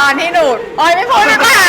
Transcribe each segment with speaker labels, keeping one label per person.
Speaker 1: อนที่หนูโอ้ยไม่พูดดีกว่า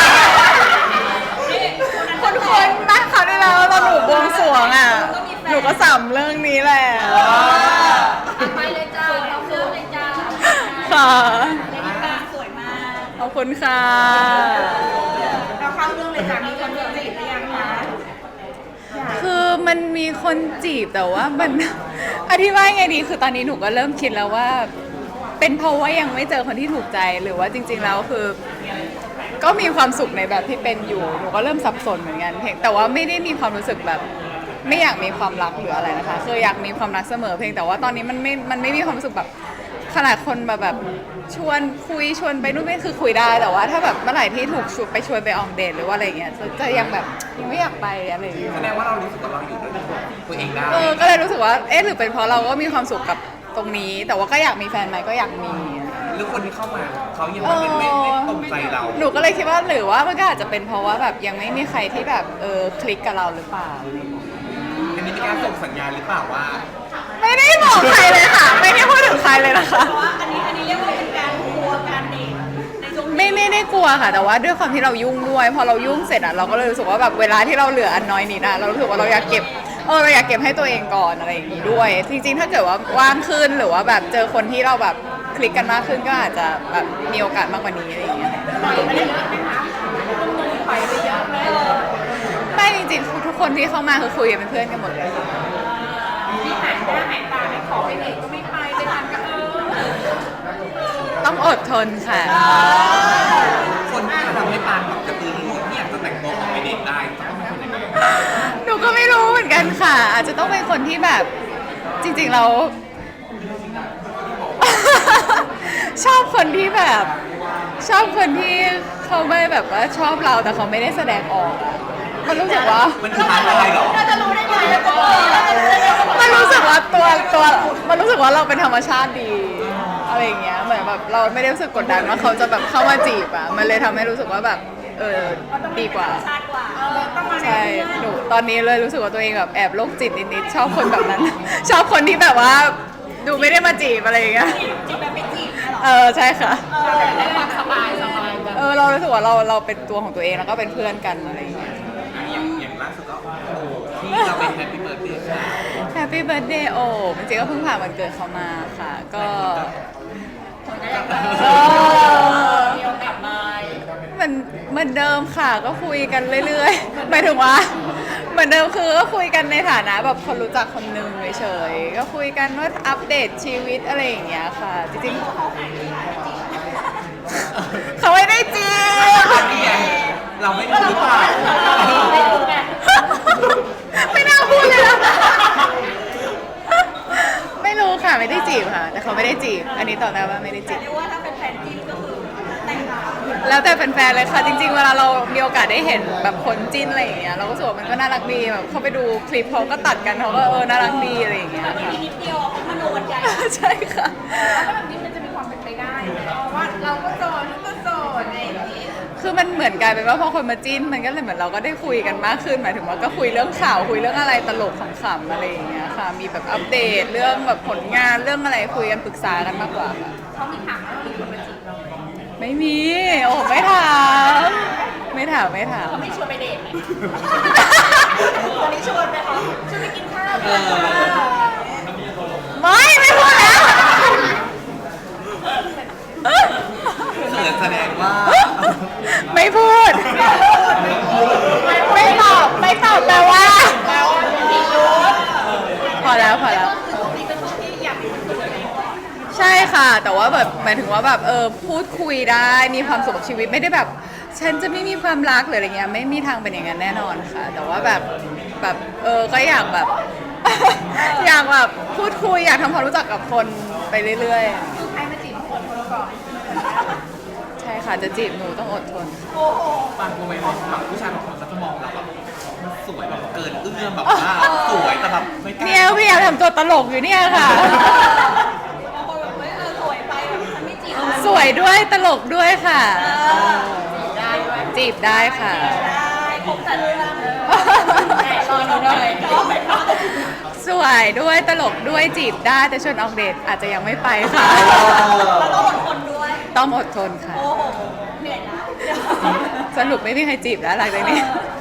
Speaker 1: คนนะเขาได้แล้วตอนหนูบวงสรวงอ่ะหนูก็สัมเรื่องนี้แหละ
Speaker 2: ไปเลยจ้าเราเริ่มเลยจ้า
Speaker 1: ค่ะ
Speaker 2: เลดี้กาสวยมาก
Speaker 1: ขอบคุณค่ะ
Speaker 2: เราเข้าเรื่องเลยจ้ามีคนจีบหรือยังคะ
Speaker 1: คือมันมีคนจีบแต่ว่ามัน อธิบายไงดีคือตอนนี้หนูก็เริ่มคิดแล้วว่า เป็นเพราะว่ายังไม่เจอคนที่ถูกใจหรือว่าจริงๆแล้วคือ ก็มีความสุขในแบบที่เป็นอยู่หนูก็เริ่มสับสนเหมือนกันเพียงแต่ว่าไม่ได้มีความรู้สึกแบบ ไม่อยากมีความรักหรืออะไรนะคะคืออยากมีความรักเสมอเพียงแต่ว่าตอนนี้มันไม่มีความรู้สึกแบบขนาดคนแบบชวนคุยชวนไปนู่นนี่คือคุยได้แต่ว่าถ้าแบบเมื่อไหร่ที่ถูกชวนไปออกเดทหรือว่าอะไรเงี้ยจะยังแบบยังไม่อยากไปอะไรอย่างเงี้ย
Speaker 3: แสดงว่าเรารู้สึกว่าเราอยู่ด้วยตัวเองได้
Speaker 1: ก็เลยรู้สึกว่าหรือเป็นเพราะเราก็มีความสุขกับตรงนี้ แต่ว่าก็อยากมีแฟนไหมก็อยากมี
Speaker 3: หรือคนที่เข้ามาเขายังไม่ตรงใจเรา
Speaker 1: หนูก็เลยคิดว่าหรือว่ามันก็อาจจะเป็นเพราะว่าแบบยังไม่มีใครที่แบบคลิกกับเราหรือเปล่า
Speaker 3: อันนี้เป็นการส่งสัญญาณหรือเปล่าว่า
Speaker 1: ไม่ได้บอกใครเลยค่ะ ไม่ได้พูดถึงใครเลยนะคะ
Speaker 2: เพราะว่าอันนี้เรียกว่าเป็นการกลัวการเดทในช่วงนี้
Speaker 1: ไม่ได้กลัวค่ะ แต่ว่าด้วยความที่เรายุ่งด้วยพอเรายุ่งเสร็จอ่ะเราก็เลยรู้สึกว่าแบบเวลาที่เราเหลืออันน้อยนิดอ่ะเรารู้สึกว่าเราอยากเก็บเราอยากเก็บให้ตัวเองก่อนอะไรอย่างนี้ด้วย จริงๆถ้าเกิดว่าว่างขึ้นหรือว่าแบบเจอคนที่เราแบบคลิกกันมากขึ้นก็อาจจะแบบมีโอกาสมากกว่านี้อะไรอย่างเงี้ย
Speaker 2: ปล่อยไปเยอะไหมคะปล่อยไปเยอะไหม
Speaker 1: ไม่จริงๆทุกคนที่เข้ามาคือคุยกันเป็นเพื่อนกันหมดเลยค่ะ
Speaker 2: มีหายหน้าหายตาไม่ขอไปเดทก็ไม่ไปไปทานก็
Speaker 1: ต้องอดทนค่ะ
Speaker 3: คนที่ทำให้ปานแบบกระตือรือร้นที่อยากจะแต่งตัวออกไปเดทได้จะต้องเป็นคนยังไง
Speaker 1: หนูก็ไม่รู้เหมือนกันค่ะ อาจจะต้องเป็นคนที่แบบจริงๆเรา ชอบคนที่แบบ ชอบคนที่เขาไม่แบบว่าชอบเราแต่เขาไม่ได้แสดงออกอะมันรู้สึกว่า
Speaker 3: มันคืออะไรหรอ
Speaker 2: เราจะรู้ได้ไงเราจะรู้เราจะรู้ได้ไงว่า
Speaker 1: มันรู้สึกว่ามันรู้สึกว่าเราเป็นธรรมชาติดีอะไรอย่างเงี้ยเหมือนแบบเราไม่ได้รู้สึกกดดันว่าเขาจะแบบเข้ามาจีบอะมันเลยทำให้รู้สึกว่าแบบดีกว่า
Speaker 2: ชาติกว่าต้องมา
Speaker 1: ใช่หนูตอนนี้เลยรู้สึกว่าตัวเองแบบแอบโรคจิตนิดๆชอบคนแบบนั้น ชอบคนที่แบบว่าดูไม่ได้มาจีบอะไรอย่างเงี้ย
Speaker 2: จีบแบบไม่จีบเนี่ยหรอ
Speaker 1: ใช่ค่ะ
Speaker 2: ได้ความสบายกัน
Speaker 1: เรารู้สึกว่าเราเป็นตัวของตัวเองแล้วก็เป็นเพื่อนกันอะไรอย่างเงี้ย
Speaker 3: อย่างล่าสุดก็โอ้ที่เราเป็นแฮปปี้เบิร์ดเดย์ค่ะ
Speaker 1: Happy Birthday โอ้จริงๆก็เพิ่งผ่านวันเกิดเขามาค่ะ ก็
Speaker 2: มีโอกาสมา
Speaker 1: มันเหมือนเดิมค่ะก็คุยกันเรื่อยๆหมายถึงว่าเหมือนเดิมคือก็คุยกันในฐานะแบบคนรู้จักคนหนึ่งเฉยๆก็คุยกันว่าอัปเดตชีวิตอะไรอย่างเงี้ยค่ะ จริงๆเขาไม่ได้จีบ
Speaker 3: เราไม่รู้หรือเปล่า
Speaker 2: ไม่รู้ไง
Speaker 1: ไม่น่าพูดเลยนะไม่รู้ค่ะไม่ได้จีบค่ะ แต่เขาไม่ได้จีบ อันนี้ตอบได้ว่าไม่ได้จีบ
Speaker 2: เรียกว่าถ้าเป็นแฟนจิ้นก็คือแต่งงาน
Speaker 1: แล้วแต่แฟนๆเลยค่ะจริงๆเวลาเรามีโอกาสได้เห็นแบบคนจิ้นอะไรอย่างเงี้ยเราก็รู้สึกว่ามันก็น่ารักดีแบบเข้าไปดูคลิปเขาก็ตัดกันเขาก็น่ารักดีอะไรอย่างเงี้ย
Speaker 2: แบบ
Speaker 1: ค่ะ
Speaker 2: นี้นิดเดียวเขามโนกันใหญ่
Speaker 1: ใช่ค่ะ
Speaker 2: แล้วแบบนี้มันจะมีความเป็นไปได้ว่าเราก็โสดก็โสดอะไรอย่างนี้
Speaker 1: คือมันเหมือนกลายเป็นว่าพอคนมาจิ้นมันก็เลยเหมือนเราก็ได้คุยกันมากขึ้นหมายถึงว่าก็คุยเรื่องข่าวคุยเรื่องอะไรตลกขำๆอะไรอย่างเงี้ยค่ะ มีแบบอัปเดตเรื่องแบบผลงานเรื่องอะไรคุยกันปรึกษากันมากกว่าค่ะ
Speaker 2: เขามีถามว่ามีคนมาจีบเราไหม
Speaker 1: ไม่มีโอ้ไม่ถามไม่ถาม
Speaker 2: เขาไม่ชวนไปเดทไหมวันนี้ชวนไหมคะชวนไปกินข้าวไหม
Speaker 1: ไม่พูดแล้ว
Speaker 3: แสดงว่า
Speaker 1: ไม่พูด ไม่ตอบแปลว่าพอแล้ว
Speaker 2: นี่เป็นคนที่อยากเป็นตัวเองก่อน
Speaker 1: ใช่ค่ะ แต่ว่าแบบหมายถึงว่าแบบพูดคุยได้มีความสุขกับชีวิตไม่ได้แบบ ฉันจะไม่มีความรักหรืออะไรเงี้ยไม่มีทางเป็นอย่างนั้นแน่นอนค่ะ แต่ว่าแบบก็อยากแบบ อยากแบบพูดคุยอยากทำความรู้จักกับคนไปเรื่อย
Speaker 2: ใครมาจีบคนก่อน
Speaker 1: ๆ ใช่ค่ะจะจีบหนูต้องอดทน
Speaker 2: โอ้โห
Speaker 3: บางคนไม่แบบผู้ชายบางคนเขาจะมองเราแบบมันสวยแบบเกินเอื้อมแบบว่าสวยแต่แบบไม่กล้า
Speaker 1: เนี่ยพยายามทำตัวตลกอยู่เนี่ยค่ะ
Speaker 2: บางคนแบบเฮ้ยสวยไปแบบฉันไม่จีบ
Speaker 1: สวยด้วยตลกด้วยค่ะ
Speaker 2: ได้ด้วย
Speaker 1: จีบได้ค่ะ
Speaker 2: ได้ครบแต่เรื่องแต่รอหนูหน่อยรอไปก่อน
Speaker 1: สวยด้วยตลกด้วยจีบได้แต่ชวนออกเดทอาจจะยังไม่ไปค่ะ
Speaker 2: เราต้องอดทนด้วย
Speaker 1: ต้องอดทนค่ะ
Speaker 2: โอ้โหเหนื่อยแล้ว
Speaker 1: สรุปไม่มีใครจีบแล้วหลังจากนี้
Speaker 2: เออ